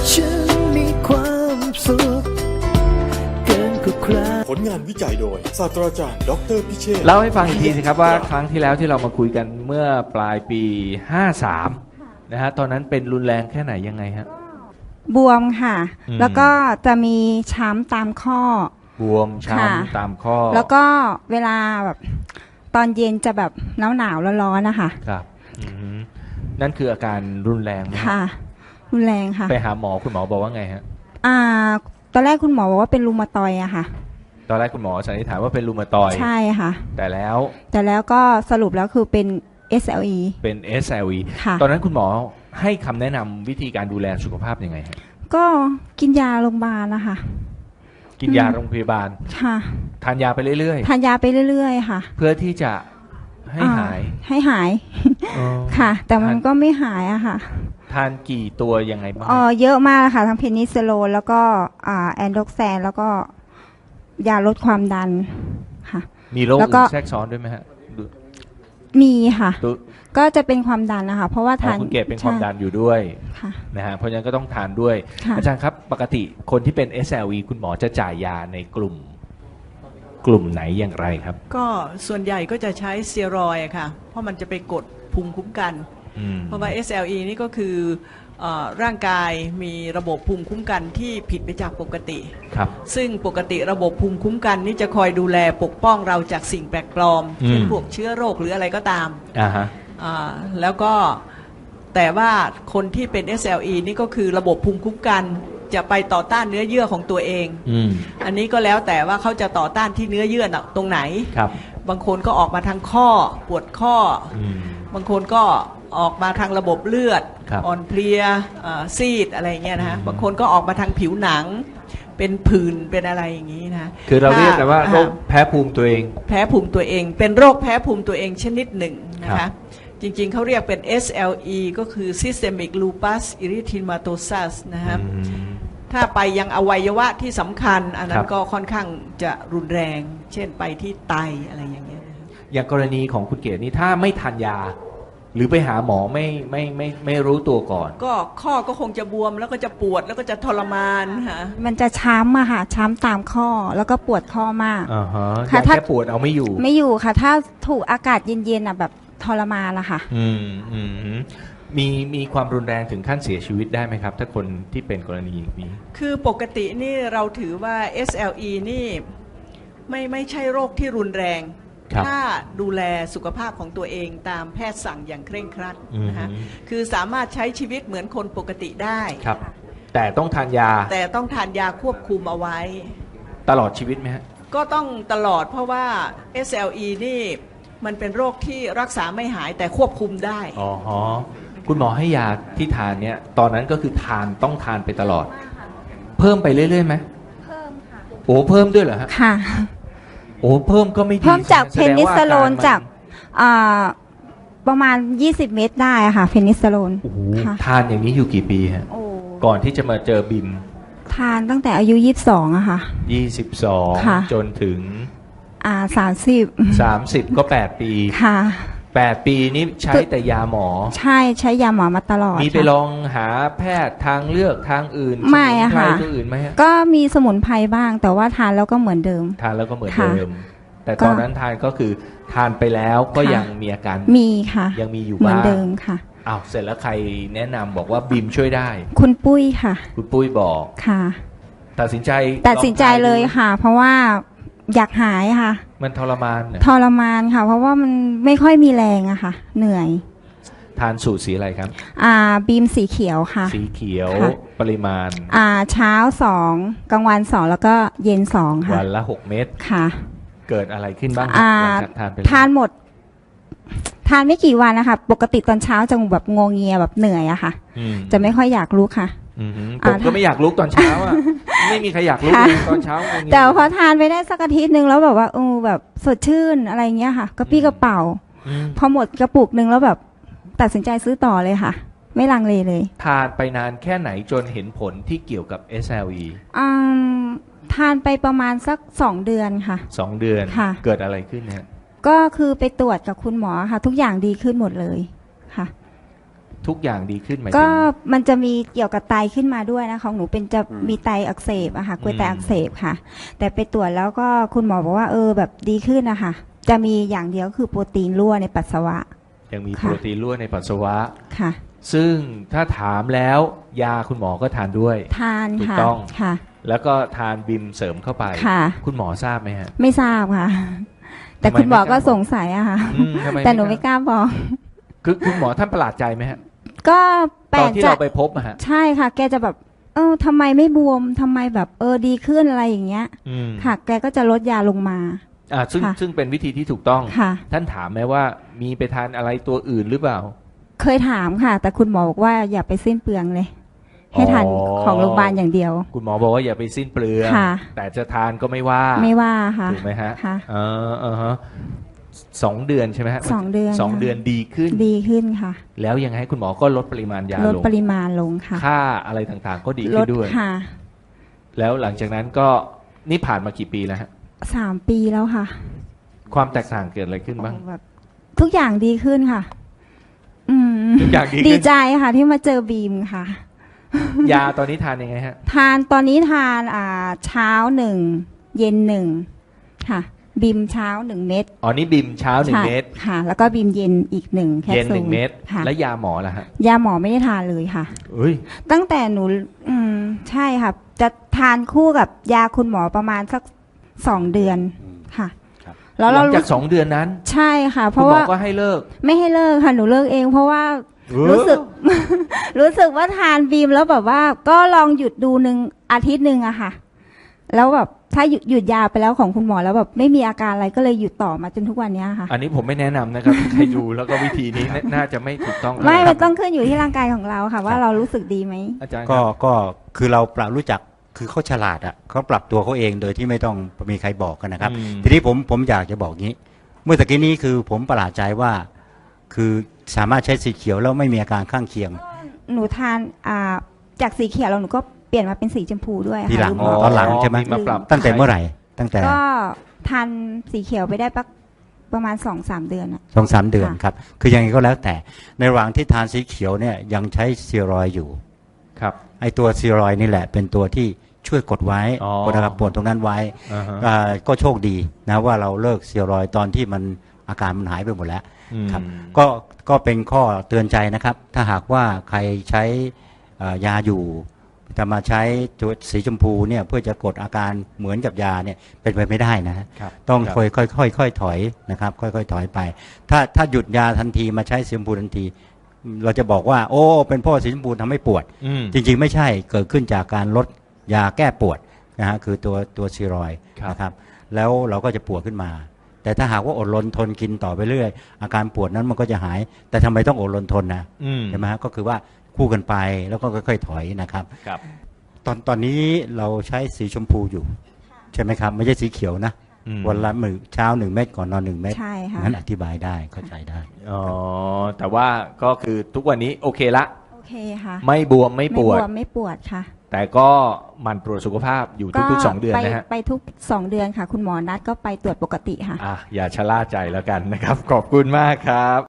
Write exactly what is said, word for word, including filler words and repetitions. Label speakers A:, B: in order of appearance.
A: ฉันมีความสุขเกินกว่าใคร
B: ผลงานวิจัยโดยศาสตราจารย์ดรพิเชษฐ์
C: เล่าให้ฟังอีกทีสิครับว่าครั้งที่แล้วที่เรามาคุยกันเมื่อปลายปีห้าสามนะฮะตอนนั้นเป็นรุนแรงแค่ไหนยังไงฮะ
D: บวมค่ะ
C: อืม
D: แล้วก็จะมีช้ำตามข้อบ
C: วม
D: ค่ะ
C: ช้ำตามข้อ
D: แล้วก็เวลาแบบตอนเย็นจะแบบหนาวหนาวๆร้อนๆนะคะ
C: ครับอือฮึนั่นคืออาการรุนแรงไหมฮะ
D: ค่ะ รุนแรงค่ะ
C: ไปหาหมอคุณหมอบอกว่าไงฮะ
D: อ่า ตอนแรกคุณหมอบอกว่าเป็นรูมาตอยด์อะค่ะ
C: ตอนแรกคุณหมอสันนิษฐานว่าเป็นรูมาตอยด์
D: ใช่ค่ะ
C: แต่แล้ว
D: แต่แล้วก็สรุปแล้วคือเป็น เอส แอล อี
C: เป็น เอส แอล อี
D: ค่ะ
C: ตอนนั้นคุณหมอให้คำแนะนำวิธีการดูแลสุขภาพยังไงฮะ
D: ก็กินยาโรงพยาบาลนะคะ
C: กินยาโรงพยาบาล
D: ค่ะ
C: ทานยาไปเรื่อย
D: ทานยาไปเรื่อยๆค่ะ
C: ๆ เพื่อที่จะให้หาย
D: อ่ให้หาย
C: อ๋อ
D: ค่ะ แต่มัน
C: ทาน
D: ก็ไม่หายอะค่ะ
C: ทานกี่ตัวยังไงบ้าง
D: อ๋อเยอะมากค่ะ ทั้งเพนิซิลลินแล้วก็อ่าแอนโดรกแซนแล้วก็ยาลดความดันค่ะ
C: มีโรค
D: แล้วก็
C: อื่นแทรกซ้อนด้วยไหมฮะดู
D: มีค่ะ
C: ดู
D: ก็จะเป็นความดันนะคะ เพราะว่า
C: อ๋
D: ทา
C: อน คุณเกศเป็นความดันอยู่ด้วย
D: ค่ะ
C: นะฮะเพราะฉะนั้นก็ต้องทานด้วย
D: ค่ะ
C: อาจารย์ครับปกติคนที่เป็น เอส แอล อี คุณหมอจะจ่ายยาในกลุ่ม กลุ่มไหนอย่างไรครับ
E: ก็ส่วนใหญ่ก็จะใช้สเตียรอยด์อะค่ะ เพราะมันจะไปกดภูมิคุ้มกัน
C: อืม
E: เพราะว่า เอส แอล อี นี่ก็คือเอ่อร่างกายมีระบบภูมิคุ้มกันที่ผิดไปจากปกติ
C: ครับ
E: ซึ่งปกติระบบภูมิคุ้มกันนี่จะคอยดูแลปกป้องเราจากสิ่งแปลกปลอม
C: อืม
E: เช่นพวกเชื้อโรคหรืออะไรก็ตาม
C: อ่าฮะ
E: อ่าแล้วก็แต่ว่าคนที่เป็น เอส แอล อี นี่ก็คือระบบภูมิคุ้มกันจะไปต่อต้านเนื้อเยื่อของตัวเอง
C: อืม
E: อันนี้ก็แล้วแต่ว่าเขาจะต่อต้านที่เนื้อเยื่อน่ะตรงไหน
C: ครับ
E: บางคนก็ออกมาทางข้อปวดข้อ
C: อืม
E: บางคนก็ออกมาทางระบบเลือด
C: ครับ
E: อ่อนเพลียเอ่อซีดอะไรอย่างเงี้ยนะฮะ
C: อืม
E: บางคนก็ออกมาทางผิวหนัง เป็นผื่นเป็นอะไรอย่างนี้นะ
C: คือเราเรียกกันว่า
E: ถ้
C: โรคแพ้ภูมิตัวเอง
E: แพ้ภูมิตัวเอง เป็นโรคแพ้ภูมิตัวเองชนิดหนึ่งนะ
C: ครั
E: คะ
C: บ
E: จริงๆเขาเรียกเป็น เอส แอล อี ก็คือ Systemic Lupus Erythematosus นะครับ
C: อืม
E: ถ้าไปยังอวัยวะที่สำคัญ อันนั้
C: ครั
E: น
C: บ
E: ก็ค่อนข้างจะรุนแรง เช่นไปที่ไตอะไรอย่างเงี้ยนะครับ
C: อย่างกรณีของคุณเกศนี่ถ้าไม่ทานยา หรือไปหาหมอไม่ไม่ไม่ไม่รู้ตัวก่อน
E: ก็ข้อก็คงจะบวมแล้วก็จะปวดแล้วก็จะทรมานค่ะ
D: มันจะช้ำอะค่ะ ช้ำตามข้อแล้วก็ปวดข้อมาก
C: อ่าฮะ
D: ค่ะ
C: ยา
D: ถ้า
C: แค่ปวดเอาไม่อยู่
D: ไม่อยู่ค่ะ ถ้าถูกอากาศเย็นๆอะแบบทรมานละค่ะ
C: อืมอืมอืมมีมีความรุนแรงถึงขั้นเสียชีวิตได้ไหมครับ ถ้าคนที่เป็นกรณีอย่างนี้
E: คือปกตินี่เราถือว่า เอส แอล อี นี่ไม่ไม่ใช่โรคที่รุนแรง
C: ครับ
E: ถ้าดูแลสุขภาพของตัวเองตามแพทย์สั่งอย่างเคร่งครัด
C: อืม
E: นะคะคือสามารถใช้ชีวิตเหมือนคนปกติได้
C: ครับ แต่ต้องทานยา
E: แต่ต้องทานยาควบคุมเอาไว้
C: ตลอดชีวิตไหมฮะ
E: ก็ต้องตลอดเพราะว่า เอส แอล อี นี่มันเป็นโรคที่รักษาไม่หายแต่ควบคุมได้
C: อ๋อฮะคุณหมอให้ยาที่ทานเนี่ย ตอนนั้นก็คือทานต้องทานไปตลอด เพิ่มไปเรื่อยๆไหมเพิ่มค่ะโอ้เพิ่มด้วยเหรอฮะ
D: ค่ะ
C: โอ้เพิ่มก็ไม่ดี
D: เพิ่มจากเพ
C: แสดง
D: นิ
C: ว่า
D: ซิลลิน
C: อรมั
D: จากอ่าประมาณยี่สิบเม็ดได้อะค่ะ เพนิซิลลิน
C: โอ้โห
D: ค่ะ
C: ทานอย่างนี้อยู่กี่ปีฮะ
D: โอ้
C: ก่อนที่จะมาเจอบิม
D: ทานตั้งแต่อายุยี่สิบสองอะค่ะ
C: ยี่สิบสอง
D: ค่ะ
C: จนถึง
D: อ่าสามสิบ
C: สามสิบก็แปดปี
D: ค่ะ
C: แปดปีนี้ใช้แต่ยาหมอ
D: ใช่ใช้ยาหมอมาตลอด
C: มีไป
D: ค่ะ
C: ลองหาแพทย์ทางเลือกทางอื่น
D: ไม่อะ
C: สมุนไพร
D: ค่ะ
C: ตัวอื่นไหมฮะ
D: ก็มีสมุนไพรบ้าง แต่ว่าทานแล้วก็เหมือนเดิม
C: ทานแล้วก็เหมือน
D: ค่ะ
C: เดิม แต่
D: ก็
C: ตอนนั้นทานก็คือทานไปแล้วก็
D: ค่ะ
C: ยังมีอาการ
D: มีค่ะ
C: ยังมีอยู่
D: เหมือน
C: บ้าง
D: เดิมค่ะ
C: อ้าวเสร็จแล้วใครแนะนำบอกว่าบิมช่วยได้
D: คุณปุ้ยค่ะ
C: คุณปุ้ยบอก
D: ค่ะ
C: ตัดสินใจ
D: ตัดสินใจเลย
C: องทานดู
D: ค่ะ เพราะว่าอยากหายค่ะ
C: มันทรมานเหรอ
D: ทรมานค่ะ เพราะว่ามันไม่ค่อยมีแรงอะค่ะ เหนื่อย
C: ทานสูตรสีอะไรครับ
D: อ่าบีมสีเขียวค่ะ
C: สีเขียว
D: ค่ะ
C: ปริมาณ
D: อ่าเช้าสองกลางวันสองแล้วก็เย็นสองค่ะ
C: วันละหกเม็ด
D: ค่ะ
C: เกิดอะไรขึ้นบ้างครับ
D: อ่า
C: หลังจากทานไปแล้ว
D: ทานหมด ทานไม่กี่วันนะคะ ปกติตอนเช้าจะแบบงวงเงียแบบเหนื่อยอะค่ะ
C: อืม
D: จะไม่ค่อยอยากลุกค่ะ
C: อืมฮึผ
D: อ่าม
C: ก็ไม่อยากลุกตอนเช้าอ่ะ ไม่มีใครอยากลุก
D: ค่ะ
C: เลยตอนเช้างงๆ
D: แต่พอทานไปได้สักอาทิตย์หนึ่งแล้วแบบว่าเออแบบสดชื่นอะไรเงี้ยค่ะกระปี้กระเป๋า
C: อืม
D: พอหมดกระปุกหนึ่งแล้วแบบตัดสินใจซื้อต่อเลยค่ะ ไม่ลังเลเลย
C: ทานไปนานแค่ไหนจนเห็นผลที่เกี่ยวกับ เอส แอล อี
D: อืมทานไปประมาณสักสองเดือนค่ะ
C: สองเดือน
D: ค่ะ
C: เกิดอะไรขึ้นเนี่ย
D: ก็คือไปตรวจกับคุณหมอค่ะ ทุกอย่างดีขึ้นหมดเลยค่ะ
C: ทุกอย่างดีขึ้นไหม
D: ก็มันจะมีเกี่ยวกับไตขึ้นมาด้วยนะของหนูเป็นจะมีไตอักเสบอะค่ะกล้วยไตอักเสบค่ะ แต่ไปตรวจแล้วก็คุณหมอบอกว่าเออแบบดีขึ้นนะคะจะมีอย่างเดียวคือโปรตีนรั่วในปัสสาวะ
C: ยังมี
D: ค่ะ
C: โปรตีนรั่วในปัสสาวะ
D: ค่ะ
C: ซึ่งถ้าถามแล้วยาคุณหมอก็ทานด้วย
D: ทาน
C: ถูก
D: ค่ะ
C: ต้อง
D: ค่ะ
C: แล้วก็ทานบิมเสริมเข้าไป
D: ค่ะ
C: คุณหมอทราบไหมฮะ
D: ไม่ทราบค่ะ แต่
C: ทำไม
D: คุณหมอ
C: ไม่ก
D: ก็
C: ล้าบอก
D: สงสัยอะค่ะ
C: อืมทำไม
D: แต่หนูไม่กล้าบอก
C: คือคุณหมอท่านประหลาดใจไหมฮะ
D: ก็แปล
C: ตอน
D: ก
C: ที่
D: ใจ
C: เราไปพบอะฮะ
D: ใช่ค่ะ แกจะแบบ เออทำไมไม่บวมทำไมแบบเออดีขึ้นอะไรอย่างเงี้ย
C: อืม
D: ค่ะ แกก็จะลดยาลงมา
C: อ่าซึ่ง
D: ค่ะ
C: ซึ่งเป็นวิธีที่ถูกต้อง
D: ค่ะ
C: ท่านถามไหมว่ามีไปทานอะไรตัวอื่นหรือเปล่า
D: เคยถามค่ะ แต่คุณหมอบอกว่าอย่าไปสิ้นเปลืองเลย ให้ทาน
C: อ๋อ
D: ของโรงพยาบาลอย่างเดียว
C: คุณหมอบอกว่าอย่าไปสิ้นเปลือง
D: ค่ะ
C: แต่จะทานก็ไม่ว่า
D: ไม่ว่าค่ะ
C: ถูกไหมฮะ
D: ค่ะ
C: เออเออฮะสองเดือนใช่ไหมฮะ
D: สองเดือน
C: สอง
D: ค่ะ
C: เดือนดีขึ้น
D: ดีขึ้นค่ะ
C: แล้วยังไงคุณหมอก็ลดปริมาณยา
D: ลด
C: ลง
D: ปริมาณลงค่ะ
C: ค่าอะไรต่างๆ ก็ดี
D: ล
C: ขึ้
D: ด
C: นด้วย
D: ค่ะ
C: แล้วหลังจากนั้นก็นี่ผ่านมากี่ปีแล้วฮะ
D: สามปีแล้วค่ะ
C: ความแตกต่างเกิดอะไรขึ้นบ้าง
D: แบบทุกอย่างดีขึ้นค่ะ อืม
C: ทุกอย่างดีขึ้น
D: ดีใจค่ะ ที่มาเจอบีมค่ะ
C: ยาตอนนี้ทานยังไงฮะ
D: ทานตอนนี้ทานอ่าเช้าหนึ่งเย็นหนึ่งค่ะบีมเช้าหนึ่งเม็ด
C: อ๋อนี่บิมเช้าหนึ่ง
D: ใช่
C: เม็ด
D: ค่ะ แล้วก็บีมเย็นอีกหนึ่งแคป
C: เย็น
D: ซู
C: ห
D: ล
C: นึ่งเม็ด
D: ค่ะ
C: แล้วยาหมอล่ะฮะ
D: ยาหมอไม่ได้ทานเลยค่ะ
C: เอ้ย
D: ตั้งแต่หนู อืม ใช่ค่ะ จะทานคู่กับยาคุณหมอประมาณสักสองเดือนค่ะ แล้ว
C: ห
D: เรา
C: ลังจาก
D: รู้
C: สองเดือนนั้น
D: ใช่ค่ะ เพ
C: คุณ
D: ราะ
C: หมอ
D: ว่า
C: ก็ให้เลิก
D: ไม่ให้เลิกค่ะ หนูเลิกเอง เพราะว่า
C: เออ
D: รู้สึก รู้สึกว่าทานบีมแล้วแบบว่า ก็ลองหยุดดูหนึ่งอาทิตย์หนึ่งอะค่ะ แล้วแบบถ้าหยุดหยุดยาไปแล้วของคุณหมอแล้วแบบไม่มีอาการอะไรก็เลยหยุดต่อมาจนทุกวันเนี้ยค่ะ
C: อันนี้ผมไม่แนะนำนะครับ ใครดูแล้วก็วิธีนี้น่าน่าจะไม่ถูกต้อง
D: ไม่
C: ค
D: มั
C: รั
D: น
C: บ
D: ต้องขึ้นอยู่ที่ร่างกายของเราค่ะ ว่าเรารู้สึกดีไหม
C: อาจารย์ค
F: ก็
C: รับ
F: ก็คือเราปรับรู้จักคือเขาฉลาดอ่ะเขาปรับตัวเขาเองโดยที่ไม่ต้องมีใครบอกกันนะครับ
C: อืม
F: ทีนี้ผมผมอยากจะบอกงี้ เมื่อตะกี้นี้คือผมประหลาดใจว่า คือสามารถใช้สีเขียวแล้วไม่มีอาการข้างเคียง
D: หนูทานอ่าจากสีเขียวแล้วหนูก็เปลี่ยนมาเป็นสีชมพูด้วยค่ะ
F: ทีหลัง
D: ลืมบก
F: ตอนหลังใช่ไหม
C: มาปรับ
F: ตั้งแต่เมื่อไหร่ ตั้งแต่
D: ก็ทานสีเขียวไปได้ปักประมาณสองสามเดือนอะ
F: สองสามเดือน
D: ค่ะ
F: ครับ คือยังไงก็แล้วแต่ในระหว่างที่ทานสีเขียวเนี่ยยังใช้สเซียรอยด์อยู่
C: ครับ
F: ไอตัวสเซียรอยด์นี่แหละเป็นตัวที่ช่วยกดไว้
C: อ๋อ
F: กดอาการปวดตรงนั้นไว้
C: อ่าฮะ
F: อ่าก็โชคดีนะว่าเราเลิกสเซียรอยด์ตอนที่มันอาการมันหายไปหมดแล้ว
C: อืม
F: ครับก็ก็เป็นข้อเตือนใจนะครับ ถ้าหากว่าใครใช้เอ่อยาอยู่แต่มาใช้ตัวสีชมพูเนี่ยเพื่อจะกดอาการเหมือนกับยาเนี่ยเป็นไปไม่ได้นะฮะ
C: ครับ
F: ต้อง
C: ครับ
F: ค่อยค่อยค่อยค่อยถอยนะครับค่อยค่อยถอยไป ถ้าถ้าหยุดยาทันทีมาใช้สีชมพูทันที เราจะบอกว่า โอ้เป็นเพราะสีชมพูทำให้ปวด
C: อืม
F: จริงๆไม่ใช่เกิดขึ้นจากการลดยาแก้ปวดนะฮะคือตัวตัวสเซียรอยด์
C: ครับ
F: นะครับแล้วเราก็จะปวดขึ้นมา แต่ถ้าหากว่าอดรนทนกินต่อไปเรื่อยอาการปวดนั้นมันก็จะหาย แต่ทำไมต้องอดรนทนนะ
C: อืม
F: ใช่ไหมฮะก็คือว่าคู่กันไปแล้วก็ค่อยๆถอยนะครับ
C: ครับ
F: ตอนตอนนี้เราใช้สีชมพูอยู่ใช่ไหมครับไม่ใช่สีเขียวนะ
C: อืม
F: วันละมือเช้าหนึ่งเม็ดก่อนนอนหนึ่งเม็ด
D: ใช่ค่ะ
F: นั้นอธิบายได้เข้าใจได้
C: อ๋อแต่ว่าก็คือทุกวันนี้โอเคละ
D: โอเคค่ะ
C: ไม่บวมไม่ปวด
D: ไม่บวมไม่ปวดค่ะ
C: แต่ก็หมันตรวจสุขภาพอยู่ทุกๆสองเดือน
D: ไป
C: นะฮะ
D: ไปทุกสองเดือนค่ะ คุณหมอนัดก็ไปตรวจปกติค่ะ
C: อ่ะอย่าชะล่าใจแล้วกันนะครับ ขอบคุณมากครับ